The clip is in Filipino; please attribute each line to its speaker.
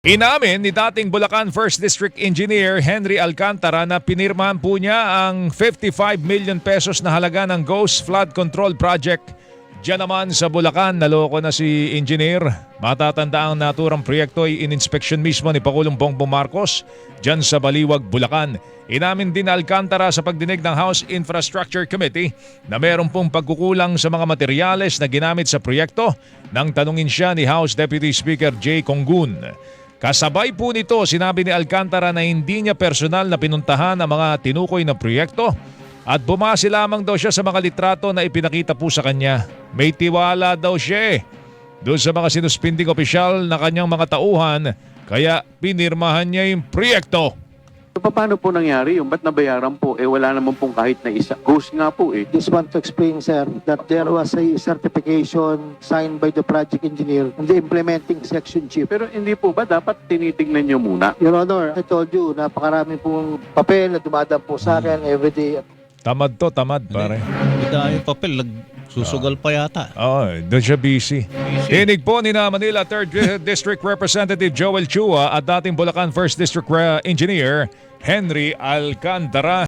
Speaker 1: Inamin ni dating Bulacan 1st District Engineer Henry Alcantara na pinirmahan po niya ang 55 million pesos na halaga ng Ghost Flood Control Project. Diyan naman sa Bulacan, naloko na si Engineer. Matatanda ang naturang proyekto ay in-inspection mismo ni Pangulong Bongbong Marcos diyan sa Baliwag, Bulacan. Inamin din Alcantara sa pagdinig ng House Infrastructure Committee na meron pong pagkukulang sa mga materyales na ginamit sa proyekto nang tanungin siya ni House Deputy Speaker Jay Conggun. Kasabay po nito, sinabi ni Alcantara na hindi niya personal na pinuntahan ang mga tinukoy na proyekto at bumase lamang daw siya sa mga litrato na ipinakita po sa kanya. May tiwala daw siya doon sa mga sinuspinding opisyal na kanyang mga tauhan kaya pinirmahan niya yung proyekto.
Speaker 2: So, paano po nangyari yung ba't nabayaran po? Wala naman pong kahit na isa. Ghost nga po
Speaker 3: Just want to explain, sir, that there was a certification signed by the project engineer and the implementing section chief.
Speaker 2: Pero hindi po ba dapat tinitignan nyo muna?
Speaker 3: Your Honor, I told you, napakarami pong papel na dumadaan po sa akin everyday.
Speaker 1: Tamad to, tamad pare.
Speaker 4: Bida yung papel, susugal pa yata.
Speaker 1: Oo, doon siya busy. Tinig po ni na Manila 3rd District Representative Joel Chua at dating Bulacan 1st District Engineer Henry Alcantara.